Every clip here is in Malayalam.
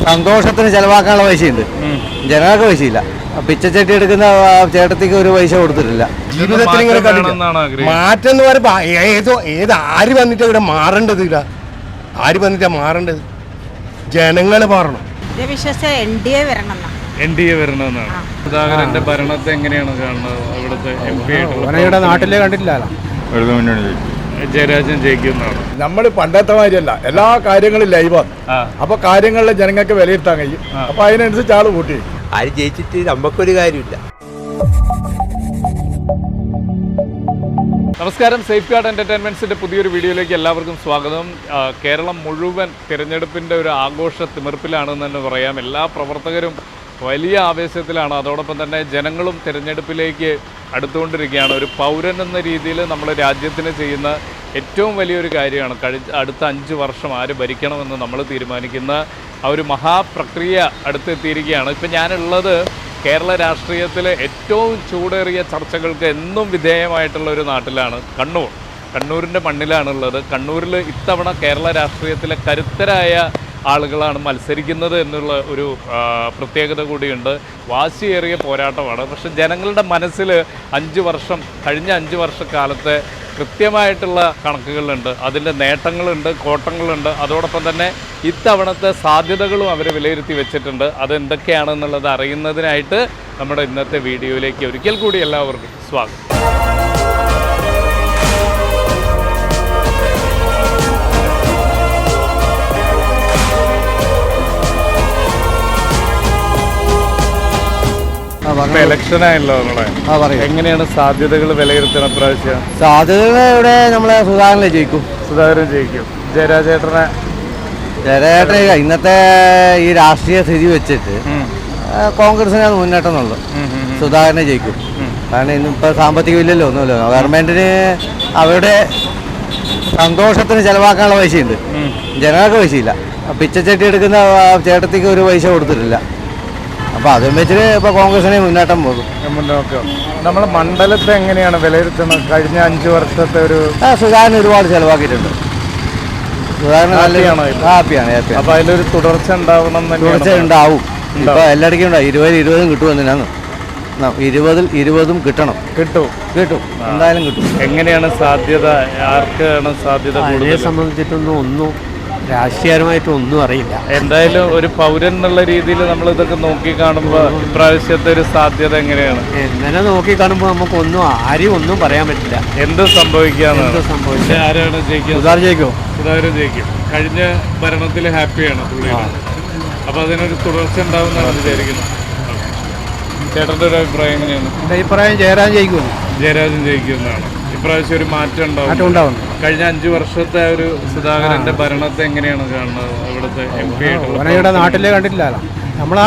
സന്തോഷത്തിന് ചെലവാക്കാനുള്ള പൈസയുണ്ട്, ജനങ്ങൾക്ക് പൈസയില്ല. പിച്ചച്ചട്ടി എടുക്കുന്ന ചേട്ടത്തിക്ക് ഒരു പൈസ കൊടുത്തിട്ടില്ല. ജീവിതത്തിൽ ഇങ്ങനെ മാറ്റം എന്ന് പറയുമ്പോൾ ഏത് ആര് വന്നിട്ട് ഇവിടെ മാറേണ്ടത്? ആര് വന്നിട്ടാ മാറേണ്ടത്? ജനങ്ങൾ മാറണം. വരണമെന്നാണ്. സുധാകരന്റെ ഭരണത്തെ എങ്ങനെയാണ് കാണുന്നത്? ഇവിടുത്തെ നാട്ടിലെ കണ്ടിട്ടില്ലല്ലോ. ജയരാജൻ ജയിക്കുന്നതാണ്. നമ്മൾ പണ്ടത്തെ മാതിരിയല്ല, എല്ലാ കാര്യങ്ങളും ലൈവാണ്. അപ്പൊ കാര്യങ്ങളിലെ ജനങ്ങൾക്ക് വിലയിരുത്താൻ കഴിയും. അപ്പൊ അതിനനുസരിച്ച് ആള് കൂട്ടി. ആര് ജയിച്ചിട്ട് നമുക്കൊരു കാര്യമില്ല. നമസ്കാരം, സേഫ് ഗാർഡ് എന്റർടൈൻമെന്റ്സിന്റെ പുതിയൊരു വീഡിയോയിലേക്ക് എല്ലാവർക്കും സ്വാഗതം. കേരളം മുഴുവൻ തിരഞ്ഞെടുപ്പിന്റെ ഒരു ആഘോഷ തിമിർപ്പിലാണെന്ന് തന്നെ പറയാം. എല്ലാ പ്രവർത്തകരും വലിയ ആവേശത്തിലാണ്. അതോടൊപ്പം തന്നെ ജനങ്ങളും തിരഞ്ഞെടുപ്പിലേക്ക് അടുത്തുകൊണ്ടിരിക്കുകയാണ്. ഒരു പൗരൻ എന്ന രീതിയിൽ നമ്മൾ രാജ്യത്തിന് ചെയ്യുന്ന ഏറ്റവും വലിയൊരു കാര്യമാണ് അടുത്ത 5 വർഷം ആര് ഭരിക്കണമെന്ന് നമ്മൾ തീരുമാനിക്കുന്ന ആ ഒരു മഹാപ്രക്രിയ അടുത്തെത്തിയിരിക്കുകയാണ്. ഇപ്പം ഞാനുള്ളത് കേരള രാഷ്ട്രീയത്തിലെ ഏറ്റവും ചൂടേറിയ ചർച്ചകൾക്ക് എന്നും വിധേയമായിട്ടുള്ള ഒരു നാട്ടിലാണ്, കണ്ണൂരിൻ്റെ മണ്ണിലാണുള്ളത്. കണ്ണൂരിൽ ഇത്തവണ കേരള രാഷ്ട്രീയത്തിലെ കരുത്തരായ ആളുകളാണ് മത്സരിക്കുന്നത് എന്നുള്ള ഒരു പ്രത്യേകത കൂടിയുണ്ട്. വാശിയേറിയ പോരാട്ടമാണ്. പക്ഷെ ജനങ്ങളുടെ മനസ്സിൽ കഴിഞ്ഞ 5 വർഷക്കാലത്തെ കൃത്യമായിട്ടുള്ള കണക്കുകളുണ്ട്, അതിൻ്റെ നേട്ടങ്ങളുണ്ട്, കോട്ടങ്ങളുണ്ട്. അതോടൊപ്പം തന്നെ ഇത്തവണത്തെ സാധ്യതകളും അവർ വിലയിരുത്തി വെച്ചിട്ടുണ്ട്. അതെന്തൊക്കെയാണെന്നുള്ളത് അറിയുന്നതിനായിട്ട് നമ്മുടെ ഇന്നത്തെ വീഡിയോയിലേക്ക് ഒരിക്കൽ കൂടി എല്ലാവർക്കും സ്വാഗതം. ഇലക്ഷനായല്ലോ നമ്മളെ, എങ്ങനെയാണ് സാധ്യതകൾ വിലയിരുത്തണം? പ്രാവശ്യം സാധ്യതകൾ ഇവിടെ നമ്മളെ സുധാകരനെ ജയിക്കും. സുധാകരൻ ജയിക്കും. ജയരാജേട്ടനെ ഇന്നത്തെ ഈ രാഷ്ട്രീയ സ്ഥിതി വെച്ചിട്ട് കോൺഗ്രസിന് മുന്നേറ്റം എന്നുള്ളത്. സുധാകരനെ ജയിക്കും. കാരണം ഇന്നിപ്പോൾ സാമ്പത്തികം ഇല്ലല്ലോ, ഒന്നുമില്ലോ. ഗവൺമെന്റിന് അവരുടെ സന്തോഷത്തിന് ചെലവാക്കാനുള്ള പൈസയുണ്ട്, ജനങ്ങൾക്ക് പൈസയില്ല. പിച്ചച്ചട്ടി എടുക്കുന്ന ചേട്ടത്തിക്ക് ഒരു പൈസ കൊടുത്തിട്ടില്ല. അപ്പോൾ അതും വെച്ചിട്ട് ഇപ്പോൾ കോൺഗ്രസിനെ മുന്നേറ്റം പോകും. നമ്മളെ മണ്ഡലത്തെ എങ്ങനെയാണ് വിലയിരുത്തുന്നത്? കഴിഞ്ഞ 5 വർഷത്തെ ഒരു സുധാകരൻ ഒരുപാട് ചെലവാക്കിയിട്ടുണ്ട്. സുധാകരൻ ഹാപ്പിയാണ്. അപ്പോൾ അതിലൊരു തുടർച്ച ഉണ്ടാവണം. ഉണ്ടാവും. ഇപ്പോൾ എല്ലായിടയ്ക്കും ഉണ്ടാവും. 20 കിട്ടുമെന്നാണ്. 20 കിട്ടണം. കിട്ടും എന്തായാലും കിട്ടും. എങ്ങനെയാണ് സാധ്യത? ആർക്കാണ് സാധ്യത? അതിനെ സംബന്ധിച്ചിട്ടൊന്നും രാഷ്ട്രീയമായിട്ടൊന്നും അറിയില്ല. എന്തായാലും ഒരു പൗരൻ എന്നുള്ള രീതിയിൽ നമ്മൾ ഇതൊക്കെ നോക്കി കാണുമ്പോൾ ഇപ്രാവശ്യത്തെ ഒരു സാധ്യത എങ്ങനെയാണ്? എങ്ങനെ നോക്കി കാണുമ്പോൾ നമുക്കൊന്നും ഒന്നും പറയാൻ പറ്റില്ല. എന്ത് സംഭവിക്കാന്ന്. ആരാണ് ജയിക്കുക? സുധാകരൻ ജയിക്കും. കഴിഞ്ഞ ഭരണത്തിൽ ഹാപ്പിയാണ് പുള്ളിയാണ്. അപ്പൊ അതിനൊരു തുടർച്ച ഉണ്ടാവുന്നതാണ് വിചാരിക്കുന്നത്. ചേട്ടന്റെ ഒരു അഭിപ്രായം എങ്ങനെയാണ്? എന്റെ അഭിപ്രായം ജയരാജൻ ജയിക്കുന്നതാണ്. ഇപ്രാവശ്യം ഒരു മാറ്റം ഉണ്ടാവും. കഴിഞ്ഞ 5 വർഷത്തെ ഒരു സുധാകരന്റെ ഭരണത്തെ എങ്ങനെയാണ് കാണുന്നത്? ഇവിടുത്തെ ഇവിടെ നാട്ടിലെ കണ്ടിട്ടില്ലല്ലോ. നമ്മളെ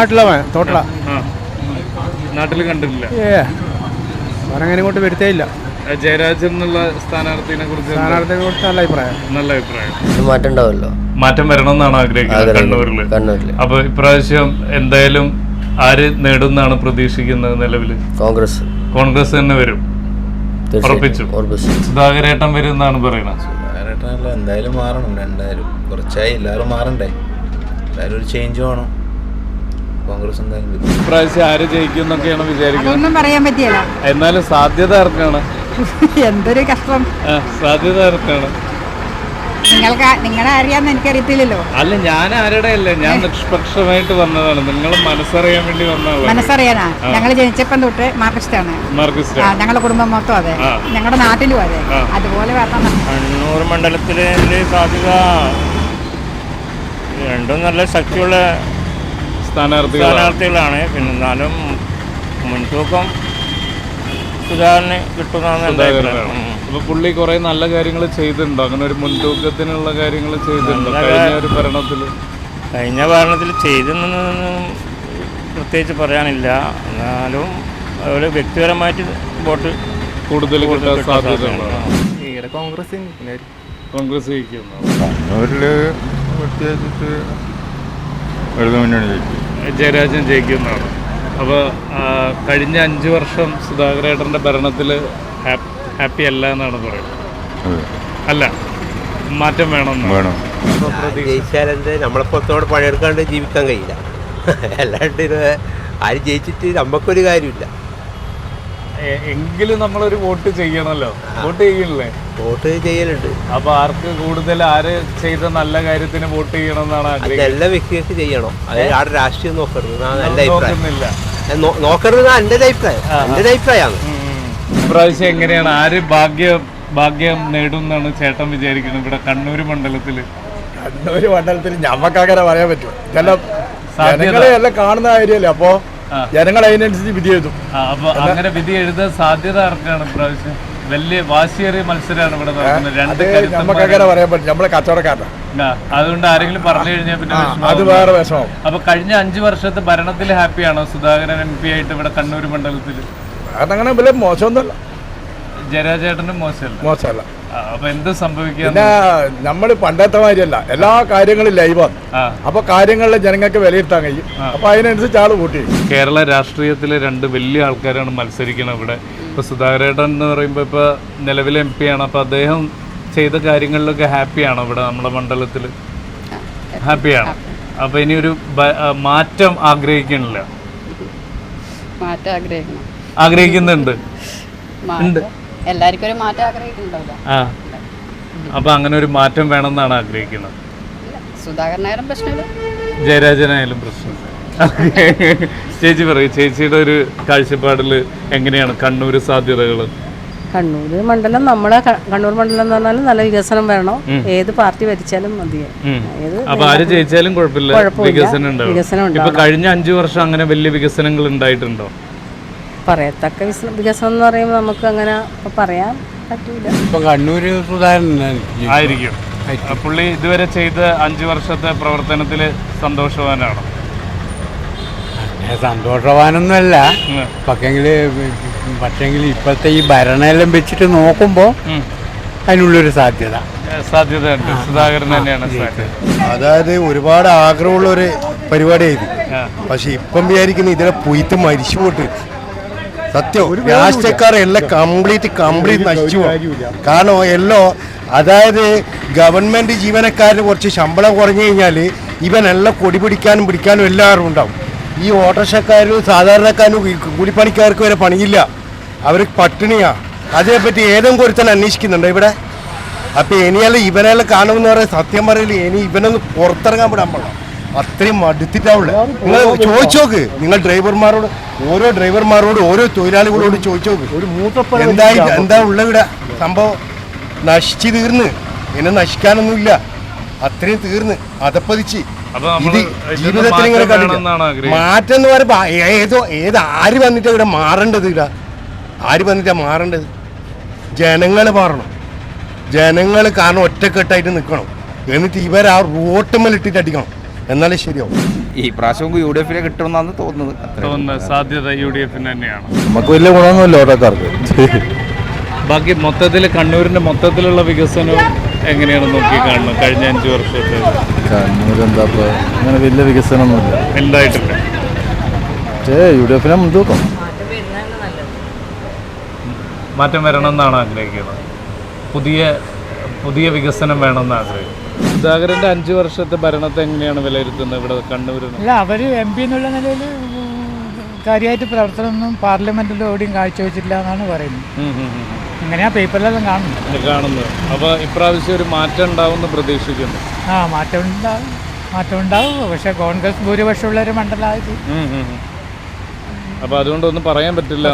നാട്ടിൽ കണ്ടിട്ടില്ല. അങ്ങനെ ഇങ്ങോട്ട് വരുത്തേയില്ല. ജയരാജൻ എന്നുള്ള സ്ഥാനാർത്ഥിയെ കുറിച്ച് നല്ല അഭിപ്രായം. മാറ്റം ഉണ്ടാവുമല്ലോ. മാറ്റം വരണം എന്നാണ് ആഗ്രഹിക്കുന്നത് കണ്ണൂരിൽ. അപ്പൊ ഇപ്രാവശ്യം എന്തായാലും ആര് നേടുന്നാണ് പ്രതീക്ഷിക്കുന്നത്? നിലവിൽ കോൺഗ്രസ് തന്നെ വരും. ഉറപ്പിച്ചു. സുധാകരേട്ടൻ വരും എന്നാണ് പറയുന്നത്. സുധാകരേട്ടനല്ല, എന്തായാലും മാറണം. എന്തായാലും കുറച്ചായി എല്ലാവരും മാറണ്ടേ. എന്തായാലും ഒരു ചേഞ്ച് വേണം. കോൺഗ്രസ് എന്തായാലും വരും. ഇപ്രാവശ്യം ആര് ജയിക്കും എന്നൊക്കെയാണ് വിചാരിക്കുന്നത്? ഒന്നും പറയാൻ പറ്റിയല്ല. എന്നാലും സാധ്യത ആർക്കാണ്? എന്തൊരു കഷ്ടം. സാധ്യത ആർക്കാണ്? നിങ്ങളെ അറിയാന്ന് എനിക്കറിയത്തില്ലല്ലോ. അല്ല, ഞാൻ ആരുടെ അല്ല, ഞാൻ നിഷ്പക്ഷമായിട്ട് വന്നതാണ്. നിങ്ങൾ മനസ്സറിയാൻ വേണ്ടി വന്നതാണ്. മനസ്സറിയാനാ? ഞങ്ങൾ ജനിച്ചപ്പം തൊട്ട് മാർക്സിസ്റ്റാണ്. ഞങ്ങളുടെ കുടുംബം മൊത്തം അതെ, ഞങ്ങളുടെ നാട്ടിലും അതെ. അതുപോലെ വരണം. കണ്ണൂർ മണ്ഡലത്തിലെ സാധ്യത രണ്ടും നല്ല ശക്തിയുള്ള സ്ഥാനാർത്ഥികളാണ്. പിന്നെ എന്നാലും മുൻതൂക്കം സുധാകരന് കിട്ടുന്നതാണ് എൻ്റെ അഭിപ്രായം. അപ്പൊ പുള്ളി കുറെ നല്ല കാര്യങ്ങൾ ചെയ്തിട്ടുണ്ടോ? അങ്ങനെ ഒരു മുൻതൂക്കത്തിനുള്ള കാര്യങ്ങൾ ചെയ്തിട്ടുണ്ടോ കഴിഞ്ഞ ഭരണത്തിൽ ചെയ്തെന്നൊന്നും പ്രത്യേകിച്ച് പറയാനില്ല. എന്നാലും അതുപോലെ വ്യക്തിപരമായിട്ട് വോട്ട് കൂടുതൽ കിട്ടാൻ സാധ്യത കോൺഗ്രസ് ജയരാജൻ ജയിക്കുന്നതാണ്. അപ്പോൾ കഴിഞ്ഞ 5 വർഷം സുധാകരേട്ടൻ്റെ ഭരണത്തിൽ ഹാപ്പി അല്ല എന്നാണ് പറയുന്നത്. അല്ല, മാറ്റം വേണം. ജയിച്ചാലെന്ത് നമ്മളെപ്പോഴത്തോടെ പണിയെടുക്കാണ്ട് ജീവിക്കാൻ കഴിയില്ല. അല്ലാണ്ട് ഇത് ആര് ജയിച്ചിട്ട് നമുക്കൊരു കാര്യമില്ല. എങ്കിലും നമ്മളൊരു വോട്ട് ചെയ്യണമല്ലോ. വോട്ട് ചെയ്യണില്ലേ? വോട്ട് ചെയ്യലുണ്ട്. അപ്പൊ ആർക്ക് കൂടുതൽ ആര് ചെയ്ത നല്ല കാര്യത്തിന് വോട്ട് ചെയ്യണം എന്നാണ് ആഗ്രഹിക്കുന്നത്? എല്ലാ വ്യക്തികൾക്ക് ചെയ്യണം. അത് ആരുടെ രാഷ്ട്രീയം നോക്കരുത്. നല്ല അഭിപ്രായം നോക്കരുത്. എൻ്റെ അഭിപ്രായമാണ്. ഇപ്രാവശ്യം എങ്ങനെയാണ്, ആര് ഭാഗ്യം നേടും എന്നാണ് ചേട്ടൻ വിചാരിക്കുന്നത് ഇവിടെ കണ്ണൂർ മണ്ഡലത്തില്? കണ്ണൂര് മണ്ഡലത്തിൽ ഞമ്മക്കങ്ങനെ പറയാൻ പറ്റുമോ? ജനങ്ങളെ എല്ലാം കാണുന്ന കാര്യമല്ലേ. അപ്പോ ജനങ്ങൾ അതിനനുസരിച്ച് വിധി എഴുതും. അപ്പൊ അങ്ങനെ വിധി എഴുതാൻ സാധ്യത ആർക്കാണ് ഇപ്രാവശ്യം? വലിയ വാശിയേറിയ മത്സരമാണ് ഇവിടെ നടക്കുന്നത്. നമുക്കങ്ങനെ പറയാൻ പറ്റും. നമ്മളെ കച്ചവടക്കാരനാണ്. അതുകൊണ്ട് ആരെങ്കിലും പറഞ്ഞു കഴിഞ്ഞാൽ പിന്നെ അത് വേറെ വിഷമം. അപ്പൊ കഴിഞ്ഞ 5 വർഷത്തെ ഭരണത്തിൽ ഹാപ്പിയാണോ സുധാകരൻ MP ആയിട്ട് ഇവിടെ കണ്ണൂർ മണ്ഡലത്തിൽ? അതങ്ങനെ വലിയ മോശമൊന്നുമല്ല. ജയരാജേട്ടനും മോശമല്ല. അപ്പൊ എന്ത് സംഭവിക്കുക? പിന്നെ നമ്മൾ പണ്ടത്തെ മാതിരിയല്ല, എല്ലാ കാര്യങ്ങളും ലൈവാണ്. അപ്പൊ കാര്യങ്ങളിലെ ജനങ്ങൾക്ക് വിലയിരുത്താൻ കഴിയും. അപ്പൊ അതിനനുസരിച്ച് ആള് കൂട്ടി. കേരള രാഷ്ട്രീയത്തിലെ 2 വലിയ ആൾക്കാരാണ് മത്സരിക്കുന്നത് ഇവിടെ. ഇപ്പൊ സുധാകരേട്ടൻ എന്ന് പറയുമ്പോൾ ഇപ്പൊ നിലവിലെ MP ആണ്. അപ്പൊ അദ്ദേഹം ചെയ്ത കാര്യങ്ങളിലൊക്കെ ഹാപ്പിയാണോ ഇവിടെ നമ്മുടെ മണ്ഡലത്തിൽ? ഹാപ്പിയാണ്. അപ്പൊ ഇനി ഒരു മാറ്റം ആഗ്രഹിക്കണില്ല? ആഗ്രഹിക്കുന്നുണ്ട്. എല്ലാവർക്കും ഒരു മാറ്റം ആഗ്രഹിക്കുന്നുണ്ടല്ലോ. അപ്പൊ അങ്ങനെ ഒരു മാറ്റം വേണമെന്നാണ് ആഗ്രഹിക്കുന്നത്. സുധാകരനായാലും പ്രശ്നമില്ല, ജയരാജനായാലും പ്രശ്നമില്ല. ചേച്ചി പറയും, ചേച്ചിയുടെ ഒരു കാഴ്ചപ്പാടിൽ എങ്ങനെയാണ് കണ്ണൂർ സാധ്യതകൾ? കണ്ണൂർ മണ്ഡലം, നമ്മളെ കണ്ണൂർ മണ്ഡലം എന്ന് പറഞ്ഞാൽ നല്ല വികസനം വേണം. ഏത് പാർട്ടി ഭരിച്ചാലും മതിയായി. അപ്പൊ ആര് ജയിച്ചാലും കുഴപ്പമില്ല, വികസനം ഉണ്ടാവും. ഇപ്പൊ കഴിഞ്ഞ 5 വർഷം അങ്ങനെ വലിയ വികസനങ്ങൾ ഉണ്ടായിട്ടുണ്ടോ? പറയത്തക്ക വികസനം എന്ന് പറയുമ്പോൾ നമുക്ക് അങ്ങനെ പറയാൻ പറ്റൂല. ഇപ്പൊ കണ്ണൂര് സുധാകരൻ ആയിരിക്കും. പുള്ളി ഇതുവരെ ചെയ്ത 5 വർഷത്തെ പ്രവർത്തനത്തിൽ സന്തോഷവാനാണ്? സന്തോഷവാനൊന്നുമല്ല, പക്ഷെങ്കിൽ ഇപ്പോഴത്തെ ഈ ഭരണമെല്ലാം വെച്ചിട്ട് നോക്കുമ്പോൾ അതിനുള്ളൊരു സാധ്യതയുണ്ട്. സുധാകരൻ തന്നെയാണ് സാധ്യത. അതായത് ഒരുപാട് ആഗ്രഹമുള്ള ഒരു പരിപാടിയായിരുന്നു. പക്ഷെ ഇപ്പം വിചാരിക്കുന്ന ഇതിനെ പൊയ്ത്ത് മരിച്ചു പോട്ട്. സത്യം, രാഷ്ട്രീയക്കാരെല്ലാം കംപ്ലീറ്റ് നശിച്ചു. കാരണം എല്ലോ, അതായത് ഗവൺമെന്റ് ജീവനക്കാരന് കുറച്ച് ശമ്പളം കുറഞ്ഞു കഴിഞ്ഞാൽ ഇവനെല്ലാം കൊടി പിടിക്കാനും എല്ലാവരും ഉണ്ടാവും. ഈ ഓട്ടോറിക്ഷക്കാരും സാധാരണക്കാരും കൂലിപ്പണിക്കാർക്ക് വരെ പണിയില്ല, അവർ പട്ടിണിയാ. അതിനെപ്പറ്റി ഏതെങ്കിലും ഒരുത്തൻ അന്വേഷിക്കുന്നുണ്ടോ ഇവിടെ? അപ്പൊ ഇനിയെല്ലാം ഇവനെല്ലാം കാണുമെന്ന് പറയാൻ സത്യം പറയില്ല. ഇനി ഇവനൊന്ന് പുറത്തിറങ്ങാൻ വിടാൻ പാടില്ല. അത്രയും മടുത്തിട്ടാവുള്ളൂ. നിങ്ങൾ ചോദിച്ചു നോക്ക്, നിങ്ങൾ ഡ്രൈവർമാരോട്, ഓരോ ഡ്രൈവർമാരോട്, ഓരോ തൊഴിലാളികളോട് ചോദിച്ചു നോക്ക്, എന്താ ഉള്ള ഇവിടെ സംഭവം. നശിച്ച് തീർന്ന്, ഇനി നശിക്കാനൊന്നുമില്ല, അത്രയും തീർന്ന് അതപ്പതിച്ച്. ഇത് ജീവിതത്തിൽ ഇങ്ങനെ കണ്ടില്ല. മാറ്റം എന്ന് പറയുമ്പോ ആര് വന്നിട്ടാ ഇവിടെ മാറേണ്ടത്? ആര് വന്നിട്ടാ മാറേണ്ടത്? ജനങ്ങൾ മാറണം. ജനങ്ങൾ കാരണം ഒറ്റക്കെട്ടായിട്ട് നിൽക്കണം. എന്നിട്ട് ഇവർ ആ റോട്ടുമ്മലിട്ടിട്ട് അടിക്കണം, എന്നാലേ ശരിയാവും. ഈ പ്രാവശ്യം UDF കിട്ടുമെന്നാണ് തോന്നുന്നത്. സാധ്യത UDF തന്നെയാണ്. നമുക്ക് വലിയ ഗുണമൊന്നുമില്ല ഓട്ടോക്കാർക്ക്. ബാക്കി മൊത്തത്തിൽ കണ്ണൂരിന്റെ മൊത്തത്തിലുള്ള വികസനം എങ്ങനെയാണ് നോക്കി കാണുന്നത്? കഴിഞ്ഞ 5 വർഷത്തെ കണ്ണൂർ എന്താ അങ്ങനെ വലിയ വികസനമൊന്നുമില്ല, ഉണ്ടായിട്ടില്ല. UDF മുൻതൂക്കം. മാറ്റം വരണമെന്നാണ് ആഗ്രഹിക്കുന്നത്. പുതിയ വികസനം വേണമെന്ന് ആഗ്രഹിക്കുന്നു. സുധാകരന്റെ 5 വർഷത്തെ ഭരണത്തെ എങ്ങനെയാണ് വിലയിരുത്തുന്നത് ഇവിടെ കണ്ണൂരിൽ? അല്ല, അവർ MP എന്നുള്ള നിലയിൽ കാര്യമായിട്ട് പ്രവർത്തനമൊന്നും പാർലമെന്റിൽ എവിടെയും കാഴ്ചവെച്ചില്ല എന്നാണ് പറയുന്നത്. അങ്ങനെയാ പേപ്പറിലെല്ലാം കാണുന്നത്. അപ്പോൾ ഇപ്രാവശ്യം ഒരു മാറ്റം ഉണ്ടാവുമെന്ന് പ്രതീക്ഷിക്കുന്നു. മാറ്റം ഉണ്ടാവും. പക്ഷെ കോൺഗ്രസ് ഭൂരിപക്ഷമുള്ള ഒരു മണ്ഡലമായിട്ട്. അപ്പോൾ അതുകൊണ്ടൊന്നും പറയാൻ പറ്റില്ല.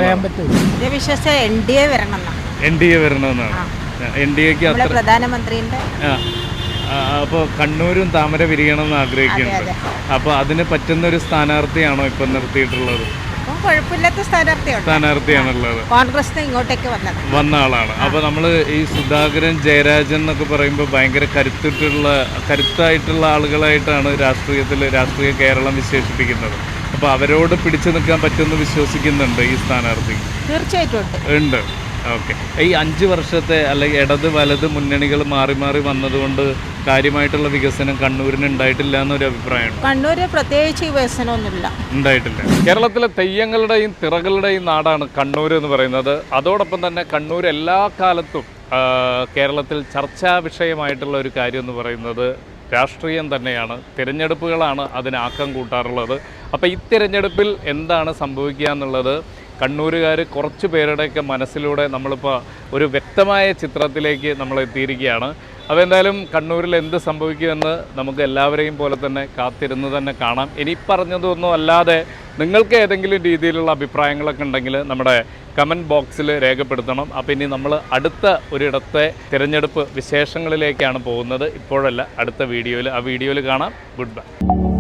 NDA വരണമെന്നാണ്. NDAക്ക് അത്ര പ്രധാനമന്ത്രിന്റെ. അപ്പോൾ കണ്ണൂരും താമര വിരിയണമെന്ന് ആഗ്രഹിക്കുന്നുണ്ട്. അപ്പോൾ അതിന് പറ്റുന്ന ഒരു സ്ഥാനാർത്ഥിയാണോ ഇപ്പം നിർത്തിയിട്ടുള്ളത്? കുഴപ്പമില്ലാത്ത സ്ഥാനാർത്ഥിയാണുള്ളത്. കോൺഗ്രസ് ഇങ്ങോട്ടേക്ക് വന്ന ആളാണ്. അപ്പോൾ നമ്മൾ ഈ സുധാകരൻ, ജയരാജൻ എന്നൊക്കെ പറയുമ്പോൾ ഭയങ്കര കരുത്തായിട്ടുള്ള ആളുകളായിട്ടാണ് രാഷ്ട്രീയ കേരളം വിശേഷിപ്പിക്കുന്നത്. അപ്പോൾ അവരോട് പിടിച്ചു നിൽക്കാൻ പറ്റുമെന്ന് വിശ്വസിക്കുന്നുണ്ട് ഈ സ്ഥാനാർത്ഥി? തീർച്ചയായിട്ടും ഉണ്ട്. ഓക്കെ. ഈ 5 വർഷത്തെ അല്ലെങ്കിൽ ഇടത് വലത് മുന്നണികൾ മാറി മാറി വന്നതുകൊണ്ട് കാര്യമായിട്ടുള്ള വികസനം കണ്ണൂരിന് ഉണ്ടായിട്ടില്ല എന്നൊരു അഭിപ്രായമാണ്. കണ്ണൂര് പ്രത്യേകിച്ച് വികസനമൊന്നുമില്ല, ഉണ്ടായിട്ടില്ല. കേരളത്തിലെ തെയ്യങ്ങളുടെയും തിറകളുടെയും നാടാണ് കണ്ണൂർ എന്ന് പറയുന്നത്. അതോടൊപ്പം തന്നെ കണ്ണൂർ എല്ലാ കാലത്തും കേരളത്തിൽ ചർച്ചാ വിഷയമായിട്ടുള്ള ഒരു കാര്യം എന്ന് പറയുന്നത് രാഷ്ട്രീയം തന്നെയാണ്, തിരഞ്ഞെടുപ്പുകളാണ് അതിനാക്കം കൂട്ടാറുള്ളത്. അപ്പോൾ ഈ തിരഞ്ഞെടുപ്പിൽ എന്താണ് സംഭവിക്കുക എന്നുള്ളത് കണ്ണൂരുകാർ കുറച്ച് പേരുടെയൊക്കെ മനസ്സിലൂടെ നമ്മളിപ്പോൾ ഒരു വ്യക്തമായ ചിത്രത്തിലേക്ക് നമ്മൾ എത്തിയിരിക്കുകയാണ്. അപ്പോൾ എന്തായാലും കണ്ണൂരിൽ എന്ത് സംഭവിക്കുമെന്ന് നമുക്ക് എല്ലാവരെയും പോലെ തന്നെ കാത്തിരുന്ന് തന്നെ കാണാം. ഇനി പറഞ്ഞതൊന്നും അല്ലാതെ നിങ്ങൾക്ക് ഏതെങ്കിലും രീതിയിലുള്ള അഭിപ്രായങ്ങളൊക്കെ ഉണ്ടെങ്കിൽ നമ്മുടെ കമൻറ്റ് ബോക്സിൽ രേഖപ്പെടുത്തണം. അപ്പോൾ ഇനി നമ്മൾ അടുത്ത ഒരിടത്തെ തിരഞ്ഞെടുപ്പ് വിശേഷങ്ങളിലേക്കാണ് പോകുന്നത്. ഇപ്പോഴല്ല, അടുത്ത വീഡിയോയിൽ. ആ വീഡിയോയിൽ കാണാം. Good by.